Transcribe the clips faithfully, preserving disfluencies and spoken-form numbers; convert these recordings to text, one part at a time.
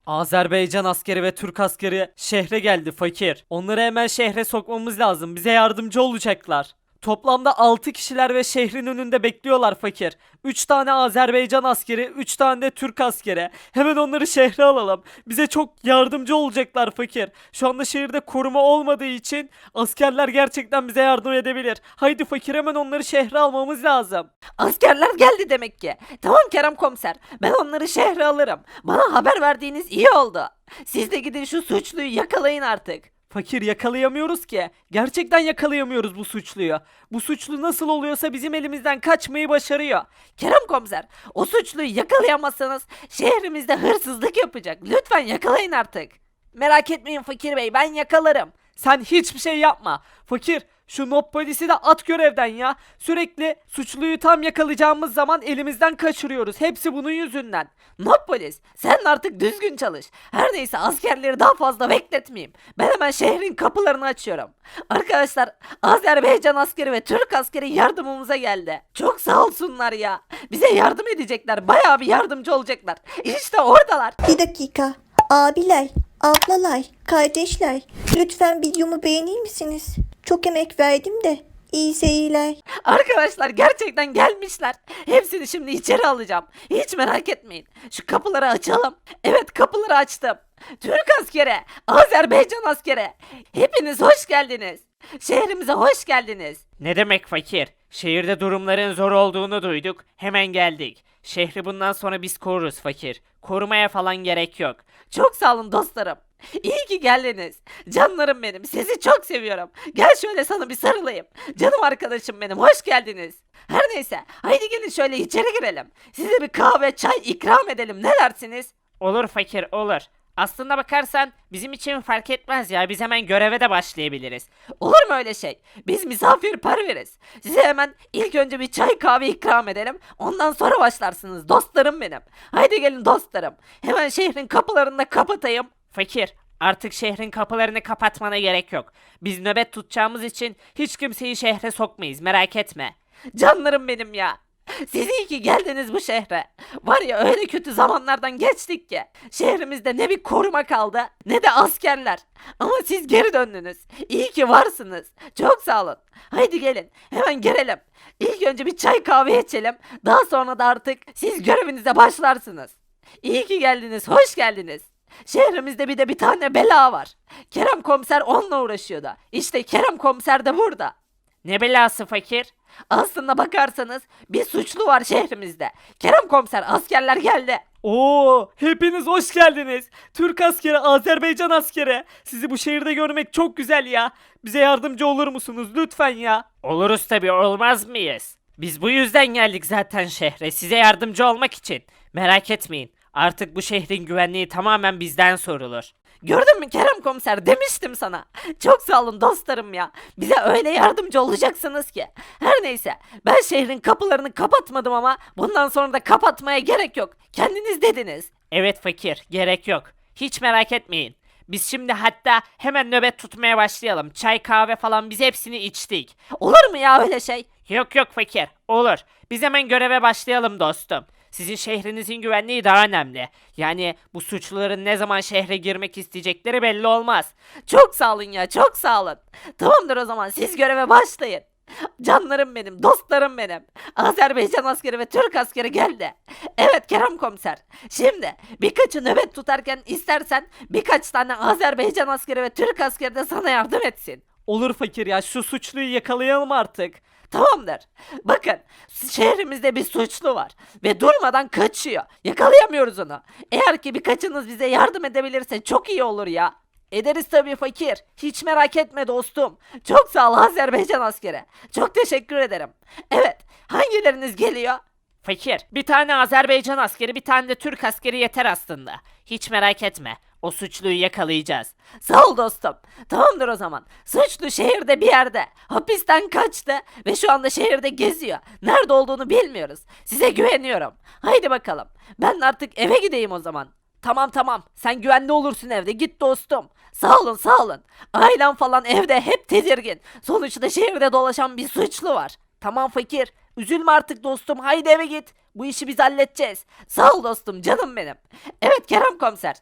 Azerbaycan askeri ve Türk askeri şehre geldi fakir. Onları hemen şehre sokmamız lazım. Bize yardımcı olacaklar. Toplamda altı kişiler ve şehrin önünde bekliyorlar fakir. üç tane Azerbaycan askeri, üç tane de Türk askeri. Hemen onları şehre alalım. Bize çok yardımcı olacaklar fakir. Şu anda şehirde koruma olmadığı için askerler gerçekten bize yardım edebilir. Haydi fakir, hemen onları şehre almamız lazım. Askerler geldi demek ki. Tamam Kerem komiser. Ben onları şehre alırım. Bana haber verdiğiniz iyi oldu. Siz de gidin şu suçluyu yakalayın artık. Fakir, yakalayamıyoruz ki. Gerçekten yakalayamıyoruz bu suçluyu. Bu suçlu nasıl oluyorsa bizim elimizden kaçmayı başarıyor. Kerem komiser, o suçluyu yakalayamazsanız şehrimizde hırsızlık yapacak. Lütfen yakalayın artık. Merak etmeyin fakir bey, ben yakalarım. Sen hiçbir şey yapma. Fakir, şu mob polisi de at görevden ya. Sürekli suçluyu tam yakalayacağımız zaman elimizden kaçırıyoruz. Hepsi bunun yüzünden. Not polis, sen de artık düzgün çalış. Her neyse askerleri daha fazla bekletmeyeyim. Ben hemen şehrin kapılarını açıyorum. Arkadaşlar, Azerbaycan askeri ve Türk askeri yardımımıza geldi. Çok sağ olsunlar ya. Bize yardım edecekler. Bayağı bir yardımcı olacaklar. İşte oradalar. Bir dakika. Abiler, ablalar, kardeşler. Lütfen videomu beğenir misiniz? Çok emek verdim de. İyi seyirler. Arkadaşlar gerçekten gelmişler. Hepsini şimdi içeri alacağım. Hiç merak etmeyin. Şu kapıları açalım. Evet, kapıları açtım. Türk askeri, Azerbaycan askeri. Hepiniz hoş geldiniz. Şehrimize hoş geldiniz. Ne demek fakir? Şehirde durumların zor olduğunu duyduk. Hemen geldik. Şehri bundan sonra biz koruruz fakir. Korumaya falan gerek yok. Çok sağ olun dostlarım. İyi ki geldiniz. Canlarım benim. Sizi çok seviyorum. Gel şöyle sana bir sarılayım. Canım arkadaşım benim. Hoş geldiniz. Her neyse. Haydi gelin şöyle içeri girelim. Size bir kahve, çay ikram edelim. Ne dersiniz? Olur fakir, olur. Aslında bakarsan bizim için fark etmez ya. Biz hemen göreve de başlayabiliriz. Olur mu öyle şey? Biz misafirperveriz. Size hemen ilk önce bir çay kahve ikram edelim. Ondan sonra başlarsınız dostlarım benim. Haydi gelin dostlarım. Hemen şehrin kapılarını da kapatayım. Fakir, artık şehrin kapılarını kapatmana gerek yok. Biz nöbet tutacağımız için hiç kimseyi şehre sokmayız, merak etme. Canlarım benim ya. Siz iyi ki geldiniz bu şehre. Var ya, öyle kötü zamanlardan geçtik ki. Şehrimizde ne bir koruma kaldı ne de askerler. Ama siz geri döndünüz. İyi ki varsınız. Çok sağ olun. Haydi gelin hemen girelim. İlk önce bir çay kahve içelim. Daha sonra da artık siz görevinize başlarsınız. İyi ki geldiniz. Hoş geldiniz. Şehrimizde bir de bir tane bela var. Kerem komiser onunla uğraşıyordu. İşte Kerem komiser de burada. Ne belası fakir? Aslında bakarsanız bir suçlu var şehrimizde. Kerem komiser, askerler geldi. Oo, hepiniz hoş geldiniz. Türk askeri, Azerbaycan askeri. Sizi bu şehirde görmek çok güzel ya. Bize yardımcı olur musunuz lütfen ya? Oluruz tabii, olmaz mıyız? Biz bu yüzden geldik zaten şehre, size yardımcı olmak için. Merak etmeyin, artık bu şehrin güvenliği tamamen bizden sorulur. Gördün mü Kerem komiser, demiştim sana. Çok sağ olun dostlarım ya. Bize öyle yardımcı olacaksınız ki. Her neyse, ben şehrin kapılarını kapatmadım ama bundan sonra da kapatmaya gerek yok. Kendiniz dediniz. Evet fakir, gerek yok. Hiç merak etmeyin. Biz şimdi hatta hemen nöbet tutmaya başlayalım. Çay kahve falan biz hepsini içtik. Olur mu ya öyle şey? Yok yok fakir, olur. Biz hemen göreve başlayalım dostum. Sizin şehrinizin güvenliği daha önemli. Yani bu suçluların ne zaman şehre girmek isteyecekleri belli olmaz. Çok sağ olun ya, çok sağ olun. Tamamdır, o zaman siz göreve başlayın. Canlarım benim, dostlarım benim. Azerbaycan askeri ve Türk askeri geldi. Evet Kerem komiser. Şimdi birkaçı nöbet tutarken istersen birkaç tane Azerbaycan askeri ve Türk askeri de sana yardım etsin. Olur fakir ya, şu suçluyu yakalayalım artık. Tamamdır. Bakın, şehrimizde bir suçlu var ve durmadan kaçıyor. Yakalayamıyoruz onu. Eğer ki birkaçınız bize yardım edebilirse çok iyi olur ya. Ederiz tabii fakir. Hiç merak etme dostum. Çok sağ ol Azerbaycan askeri. Çok teşekkür ederim. Evet, hangileriniz geliyor? Fakir, bir tane Azerbaycan askeri, bir tane de Türk askeri yeter aslında. Hiç merak etme. O suçluyu yakalayacağız. Sağ ol dostum. Tamamdır o zaman. Suçlu şehirde bir yerde. Hapisten kaçtı ve şu anda şehirde geziyor. Nerede olduğunu bilmiyoruz. Size güveniyorum. Haydi bakalım. Ben artık eve gideyim o zaman. Tamam tamam. Sen güvende olursun evde. Git dostum. Sağ olun sağ olun. Ailem falan evde hep tedirgin. Sonuçta şehirde dolaşan bir suçlu var. Tamam fakir. Üzülme artık dostum. Haydi eve git. Bu işi biz halledeceğiz. Sağ ol dostum, canım benim. Evet Kerem komiser.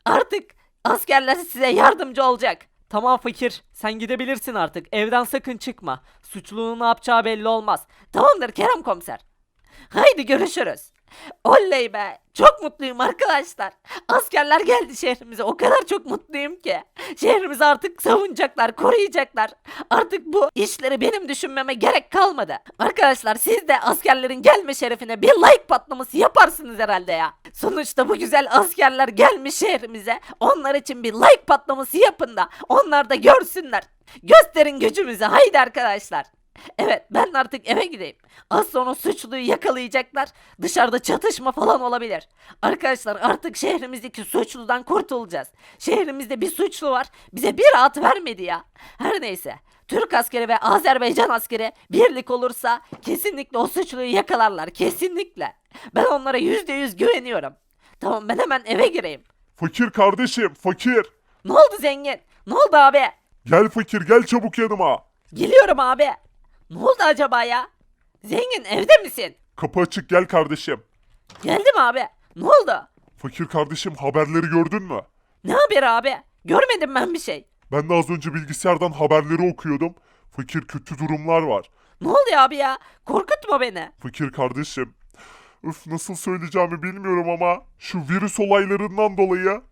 Artık askerler size yardımcı olacak. Tamam fakir, sen gidebilirsin artık. Evden sakın çıkma. Suçlunun ne yapacağı belli olmaz. Tamamdır Kerem komiser. Haydi görüşürüz. Oley be. Çok mutluyum arkadaşlar. Askerler geldi şehrimize. O kadar çok mutluyum ki. Şehrimizi artık savunacaklar, koruyacaklar. Artık bu işleri benim düşünmeme gerek kalmadı. Arkadaşlar siz de askerlerin gelme şerefine bir like patlaması yaparsınız herhalde ya. Sonuçta bu güzel askerler gelmiş şehrimize. Onlar için bir like patlaması yapın da onlar da görsünler. Gösterin gücümüzü. Haydi arkadaşlar. Evet ben artık eve gideyim. Az sonra suçluyu yakalayacaklar. Dışarıda çatışma falan olabilir. Arkadaşlar artık şehrimizdeki suçludan kurtulacağız. Şehrimizde bir suçlu var. Bize bir rahat vermedi ya. Her neyse. Türk askeri ve Azerbaycan askeri birlik olursa kesinlikle o suçluyu yakalarlar. Kesinlikle. Ben onlara yüzde yüz güveniyorum. Tamam ben hemen eve gireyim. Fakir kardeşim, fakir. Ne oldu zengin? Ne oldu abi? Gel fakir, gel çabuk yanıma. Geliyorum abi. Ne oldu acaba ya? Zengin evde misin? Kapı açık, gel kardeşim. Geldim abi. Ne oldu? Fakir kardeşim, haberleri gördün mü? Ne haber abi? Görmedim ben bir şey. Ben de az önce bilgisayardan haberleri okuyordum. Fakir, kötü durumlar var. Ne oluyor abi ya? Korkutma beni. Fakir kardeşim. Öf, nasıl söyleyeceğimi bilmiyorum ama şu virüs olaylarından dolayı.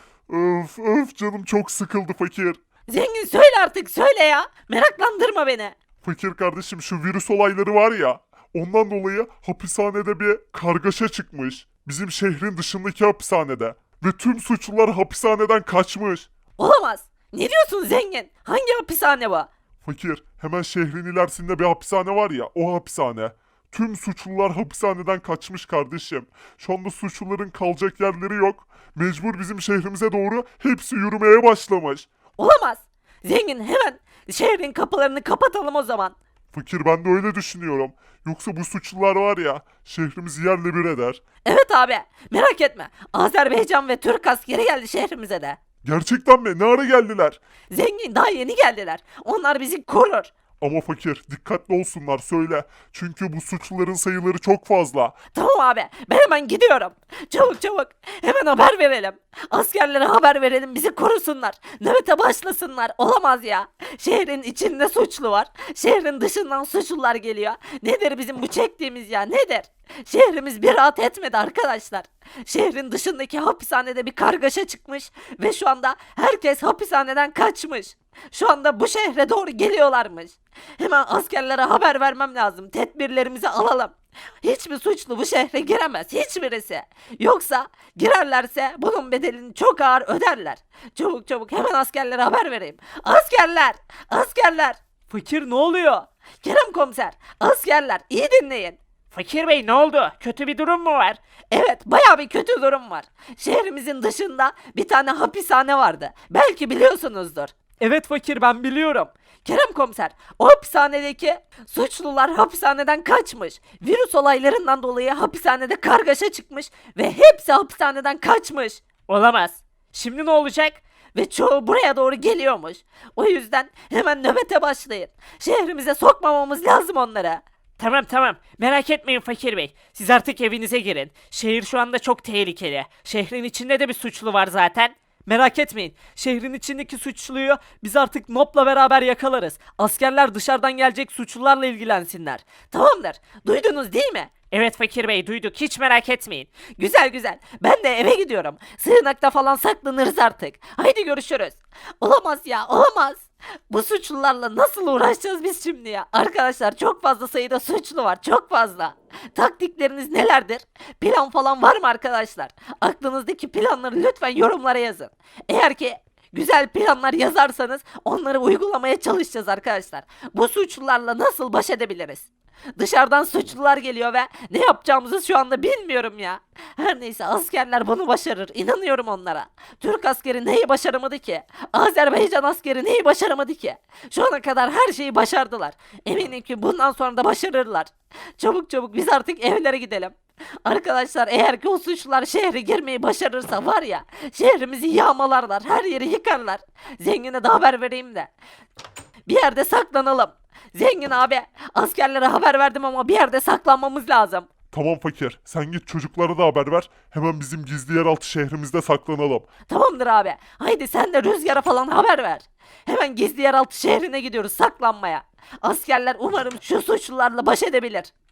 Öf öf, canım çok sıkıldı fakir. Zengin söyle artık söyle ya. Meraklandırma beni. Fakir kardeşim, şu virüs olayları var ya. Ondan dolayı hapishanede bir kargaşa çıkmış. Bizim şehrin dışındaki hapishanede. Ve tüm suçlular hapishaneden kaçmış. Olamaz. Ne diyorsun zengin? Hangi hapishane bu? Fakir, hemen şehrin ilerisinde bir hapishane var ya, o hapishane. Tüm suçlular hapishaneden kaçmış kardeşim. Şu anda suçluların kalacak yerleri yok. Mecbur bizim şehrimize doğru hepsi yürümeye başlamış. Olamaz. Zengin hemen şehrin kapılarını kapatalım o zaman. Fakir, ben de öyle düşünüyorum. Yoksa bu suçlular var ya, şehrimizi yerle bir eder. Evet abi merak etme. Azerbaycan ve Türk askeri geldi şehrimize de. Gerçekten mi? Ne ara geldiler? Zengin daha yeni geldiler. Onlar bizi korur. Ama fakir, dikkatli olsunlar söyle. Çünkü bu suçluların sayıları çok fazla. Tamam abi ben hemen gidiyorum. Çabuk çabuk hemen haber verelim. Askerlere haber verelim bizi korusunlar. Nöbete başlasınlar. Olamaz ya. Şehrin içinde suçlu var. Şehrin dışından suçlular geliyor. Nedir bizim bu çektiğimiz ya nedir? Şehrimiz bir rahat etmedi arkadaşlar. Şehrin dışındaki hapishanede bir kargaşa çıkmış ve şu anda herkes hapishaneden kaçmış. Şu anda bu şehre doğru geliyorlarmış. Hemen askerlere haber vermem lazım. Tedbirlerimizi alalım. Hiçbir suçlu bu şehre giremez. Hiçbirisi. Yoksa girerlerse bunun bedelini çok ağır öderler. Çabuk çabuk hemen askerlere haber vereyim. Askerler! Askerler! Fakir ne oluyor? Kerem komiser, askerler iyi dinleyin. Fakir bey ne oldu? Kötü bir durum mu var? Evet, baya bir kötü durum var. Şehrimizin dışında bir tane hapishane vardı. Belki biliyorsunuzdur. Evet fakir, ben biliyorum. Kerem komiser, o hapishanedeki suçlular hapishaneden kaçmış. Virüs olaylarından dolayı hapishanede kargaşa çıkmış ve hepsi hapishaneden kaçmış. Olamaz. Şimdi ne olacak? Ve çoğu buraya doğru geliyormuş. O yüzden hemen nöbete başlayın. Şehrimize sokmamamız lazım onlara. Tamam tamam. Merak etmeyin Fakir Bey. Siz artık evinize girin. Şehir şu anda çok tehlikeli. Şehrin içinde de bir suçlu var zaten. Merak etmeyin. Şehrin içindeki suçluyu biz artık Nop'la beraber yakalarız. Askerler dışarıdan gelecek suçlularla ilgilensinler. Tamamdır. Duydunuz değil mi? Evet Fakir Bey duyduk. Hiç merak etmeyin. Güzel güzel. Ben de eve gidiyorum. Sığınakta falan saklanırız artık. Haydi görüşürüz. Olamaz ya, olamaz. Bu suçlularla nasıl uğraşacağız biz şimdi ya? Arkadaşlar çok fazla sayıda suçlu var. Çok fazla. Taktikleriniz nelerdir? Plan falan var mı arkadaşlar? Aklınızdaki planları lütfen yorumlara yazın. Eğer ki güzel planlar yazarsanız onları uygulamaya çalışacağız arkadaşlar. Bu suçlularla nasıl baş edebiliriz? Dışarıdan suçlular geliyor ve ne yapacağımızı şu anda bilmiyorum ya. Her neyse askerler bunu başarır. İnanıyorum onlara. Türk askeri neyi başaramadı ki? Azerbaycan askeri neyi başaramadı ki? Şu ana kadar her şeyi başardılar. Eminim ki bundan sonra da başarırlar. Çabuk çabuk biz artık evlere gidelim. Arkadaşlar eğer ki o suçlular şehre girmeyi başarırsa var ya şehrimizi yağmalarlar, her yeri yıkarlar. Zengine de haber vereyim de bir yerde saklanalım. Zengin abi askerlere haber verdim ama bir yerde saklanmamız lazım. Tamam fakir. Sen git çocuklara da haber ver. Hemen bizim gizli yeraltı şehrimizde saklanalım. Tamamdır abi. Haydi sen de Rüzgar'a falan haber ver. Hemen gizli yeraltı şehrine gidiyoruz saklanmaya. Askerler umarım şu suçlularla baş edebilir.